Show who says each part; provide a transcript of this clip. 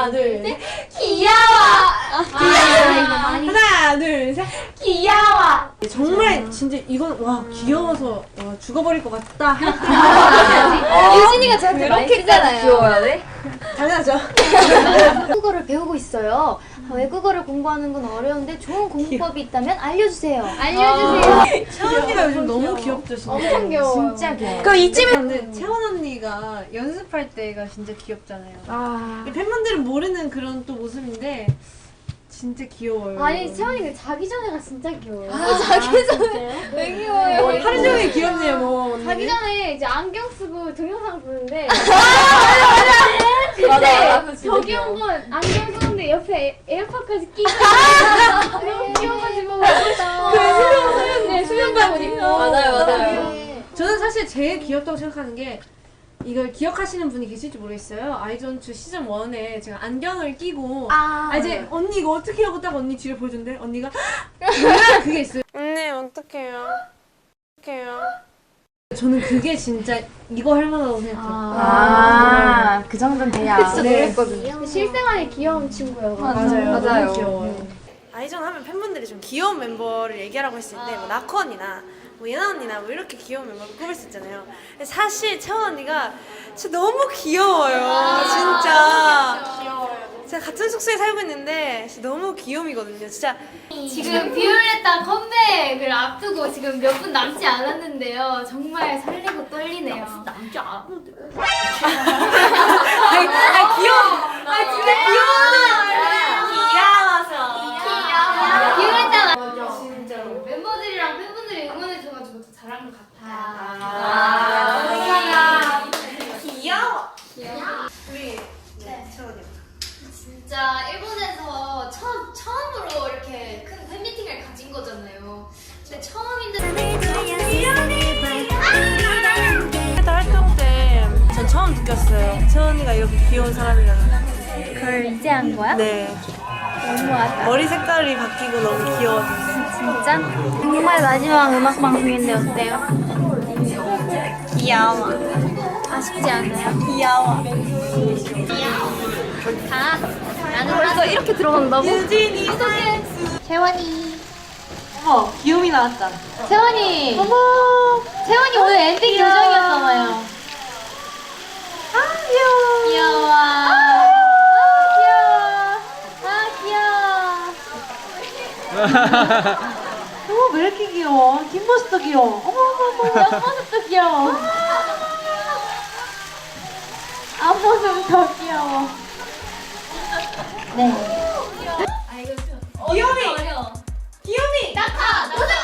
Speaker 1: 하나, 둘, 셋. 귀여워.
Speaker 2: 하나, 둘, 셋.
Speaker 1: 귀여워.
Speaker 2: 정말 진짜 이건 와 귀여워서 와, 죽어버릴 것 같다.
Speaker 1: 유진이가 저한테 많이 쓰잖아요.
Speaker 3: 귀여워야 돼?
Speaker 2: 당연하죠.
Speaker 4: 외국어를 배우고 있어요. 외국어를 공부하는 건 어려운데 좋은 공부법이 있다면 알려주세요.
Speaker 1: 알려주세요.
Speaker 2: 채원 언니가 요즘 너무 귀엽죠, 진짜.
Speaker 4: 엄청 귀여워요.
Speaker 1: 진짜 귀여워.
Speaker 2: 그럼 이쯤에 근데 채원 언니가 연습할 때가 진짜 귀엽잖아요.
Speaker 4: 아.
Speaker 2: 팬분들은 모르는 그런 또 모습인데 진짜 귀여워요.
Speaker 4: 아니 채원이가 자기 전에가 진짜 귀여워요.
Speaker 1: 자기 전에 왜 귀여워요?
Speaker 2: 하루 종일 귀엽네요, 뭐.
Speaker 4: 자기 전에 이제 안경 쓰고 동영상 보는데
Speaker 1: 맞아.
Speaker 4: 더 귀여운 건 안경 쓰는데 옆에 에어팟까지 끼고 너무 귀여워가지고 네, 수면바옷 입고
Speaker 1: 맞아요.
Speaker 2: 저는 사실 제일 귀엽다고 생각하는 게 이걸 기억하시는 분이 계실지 모르겠어요. 아이전투 시즌 1에 제가 안경을 끼고 이제 언니 이거 어떻게 하고 딱 언니 뒤를 보여준대. 언니가 정말 그게 있어요. 언니 어떡해요? 어떡해요? 저는 그게 진짜 이거 할 만하다고 생각해요.
Speaker 3: 그 정도는 돼야.
Speaker 4: 진짜
Speaker 2: 네.
Speaker 4: 놀랬거든요. 실생활에 귀여운 친구예요.
Speaker 3: 맞아요.
Speaker 2: 너무 귀여워요. 아이전 하면 팬분들이 좀 귀여운 멤버를 얘기하라고 했을 때 뭐 나코 언니나 뭐 예나 언니나 뭐 이렇게 귀여운 멤버를 꼽을 수 있잖아요. 근데 사실 채원 언니가 진짜 너무 귀여워요. 진짜. 제가 같은 숙소에 살고 있는데 진짜 너무 귀요미거든요. 진짜.
Speaker 5: 지금 비올레타 컴백을 앞두고 지금 몇 분 남지 않았는데요. 정말 설레고 떨리네요. 남지 않았는데.
Speaker 2: 아 귀여워. 아 진짜 귀여워.
Speaker 5: 비올레타가 진짜로 멤버들이랑 팬분들이 응원해줘가지고 더 잘한 것 같아요.
Speaker 2: 귀여워. 우리 채원이.
Speaker 5: 진짜 일본에서 처음으로 이렇게 큰 팬미팅을 가진 거잖아요. 근데 처음인데
Speaker 2: 활동 때 전 처음 느꼈어요. 채원이가 이렇게 귀여운 사람이라는.
Speaker 4: 그걸 이제 한 거야?
Speaker 2: 네.
Speaker 4: 너무하다.
Speaker 2: 머리 색깔이 바뀌고 너무 귀여웠어요.
Speaker 4: 진짜? 정말 마지막 음악 방송인데 어때요?
Speaker 2: 귀여워.
Speaker 4: 아쉽지 않아요?
Speaker 2: 귀여워.
Speaker 4: 나는 벌써 이렇게 들어간다고?
Speaker 2: 유진이.
Speaker 4: 채원이.
Speaker 2: 어머, 귀요미 나왔잖아.
Speaker 4: 채원이.
Speaker 2: 어머.
Speaker 4: 채원이 오늘 엔딩
Speaker 2: 귀여워.
Speaker 4: 요정이었잖아요.
Speaker 2: 아, 귀여워.
Speaker 4: 귀여워.
Speaker 2: 어머, 왜 이렇게 귀여워? 뒷모습도 귀여워. 어머.
Speaker 4: 옆모습도 귀여워. 앞모습 더 귀여워. 네.
Speaker 2: 귀요미.
Speaker 5: 어려워.
Speaker 2: 귀요미.
Speaker 5: 낙하!